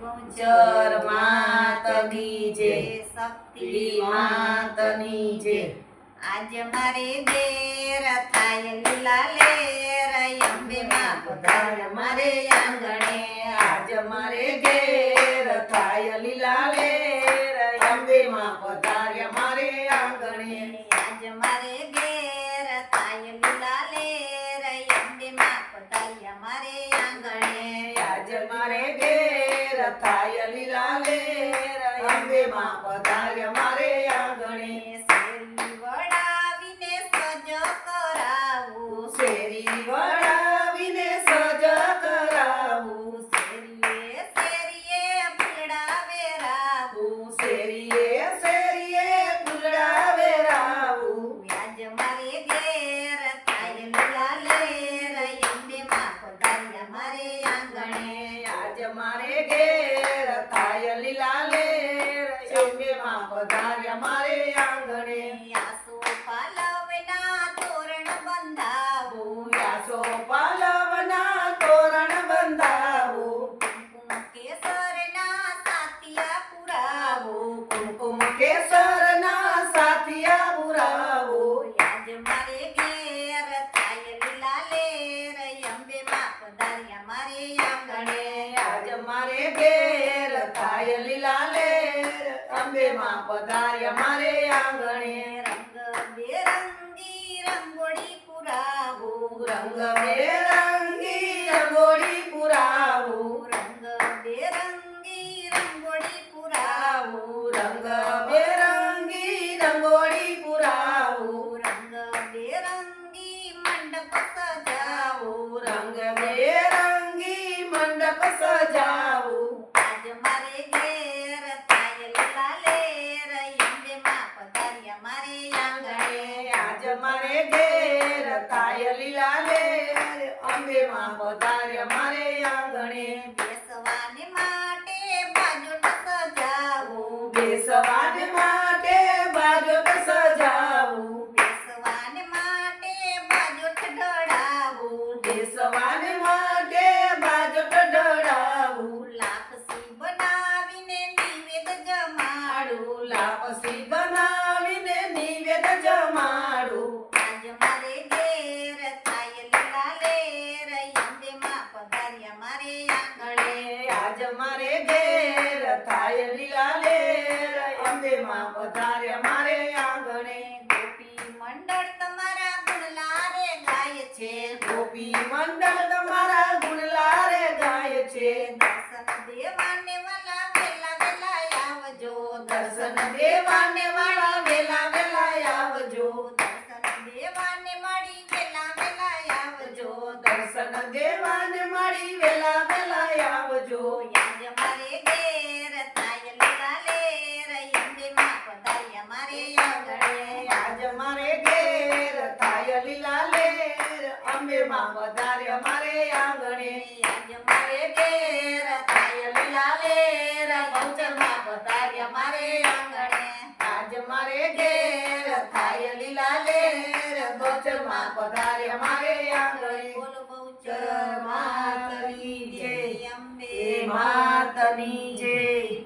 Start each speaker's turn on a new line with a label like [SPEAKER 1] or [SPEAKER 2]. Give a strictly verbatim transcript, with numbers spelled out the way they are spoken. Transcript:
[SPEAKER 1] ચર માતની જે શક્તિ માતની જે
[SPEAKER 2] આજ મારે ઘેર થાય લીલા લેર અંબે માં પધાર મારે આંગણે
[SPEAKER 1] આજ મારે ઘેર થાય લીલા લેર અંબે માં પધાર્ય મારે આંગણે
[SPEAKER 2] આજ મારે ઘેર થાય લીલા લેર અંબે માં પધાર્યા મારે આંગણે
[SPEAKER 1] આજ મારે ઘેર થાય લીલા લેર અંબે માં પધાર્ય મારે આંગણે
[SPEAKER 2] શેરી વડાવીને સજ કરાવું
[SPEAKER 1] શેરી વડાવીને સજ કરાવું
[SPEAKER 2] શેરીએ શેરીએ ફૂલડા વેરાવું
[SPEAKER 1] શેરીએ શેરીએ ફૂલડા વેરાવું
[SPEAKER 2] આજ મારે ઘેર થાય લીલા લેર અંબે માં પધાર્યા મારે આંગણે
[SPEAKER 1] આજ મારે ઘેર થાય લીલા લેર અંબે માં પધાર્યા મારે આંગણે
[SPEAKER 2] આસો પાલવના તોરણ બંધાવું
[SPEAKER 1] યાસો પાલવના તોરણ બંધાવું
[SPEAKER 2] કુમકુમ કેસરના સાતિયા પુરાવું
[SPEAKER 1] કુમકુમ કેસરના સાથિયા પુરાવું
[SPEAKER 2] આજ મારે ઘેર થાય લીલા લેર અંબે માં પધાર્યા મારે આંગણે
[SPEAKER 1] આજ મારે ઘેર થાય લીલા લેર અંબે માં પધાર્યા મારે આંગણે
[SPEAKER 2] રંગ બેરંગી રંગોળી પુરાવું
[SPEAKER 1] રંગ બેરંગી રંગોળી પુરાવું
[SPEAKER 2] રંગ બેરંગી રંગોળી પુરાવું
[SPEAKER 1] રંગ બેરંગી રંગોળી પુરાવું
[SPEAKER 2] રંગ બેરંગી મંડપ સજાવું
[SPEAKER 1] રંગ બેરંગી મંડપ સજાવું
[SPEAKER 2] આજ મારે ઘેર થાય લીલા લેર અંબે માં પધાર્યા મારે આંગણે
[SPEAKER 1] આજ મારે ઘેર થાય લીલા લેર અંબે માં પધાર્યા મારે આંગણે
[SPEAKER 2] બેસવાને માટે બાજોટ સજાવું
[SPEAKER 1] બેસવાને માટે બાજોટ સજાવું
[SPEAKER 2] બેસવાને માટે બાજોટ ઢળાવું
[SPEAKER 1] બેસવાને માટે બાજોટ ઢળાવું
[SPEAKER 2] લાપસી બનાવીને નિવેદ જમાડું
[SPEAKER 1] લાપસી બનાવીને નિવેદ જમાડું
[SPEAKER 2] આજ મારે ઘેર થાય લીલા લેર અંબે માં પધાર્યા મારે આંગણે
[SPEAKER 1] આજ મારે ઘેર થાય લીલા લેર અંબે માં પધાર્યા મારે આંગણે
[SPEAKER 2] ગોપી મંડળ તમારા ગુણલા રે ગાય છે
[SPEAKER 1] ગોપી મંડળ તમારા ગુણલા રે ગાય છે
[SPEAKER 2] દર્શન દેવાને વાલા વેલા વેલા આવજો
[SPEAKER 1] દર્શન દેવાને વાળા વેલા વેલા આવજો
[SPEAKER 2] દર્શન દેવાને મળી વેલા વેલા આવજો
[SPEAKER 1] દર્શન દેવાને મળી વેલા વેલા આવજો
[SPEAKER 2] આજ મારે ઘેર થાય લીલા લેર અંબે માં પધાર્યા મારે આંગણે
[SPEAKER 1] આજ મારે ઘેર થાય લીલા લેર અંબે માં પધાર્યા મારે આંગણે
[SPEAKER 2] આજ મારે ઘેર થાય લીલા લેર બહુચર માં પધાર્યા મારે આંગણે
[SPEAKER 1] આજ મારે ઘેર થાય લીલા લેર ગોચર માં પધાર્યા મારે આંગણે
[SPEAKER 2] બોલો બહુચર
[SPEAKER 1] ચર માતની જય
[SPEAKER 2] અંબે
[SPEAKER 1] માતની જય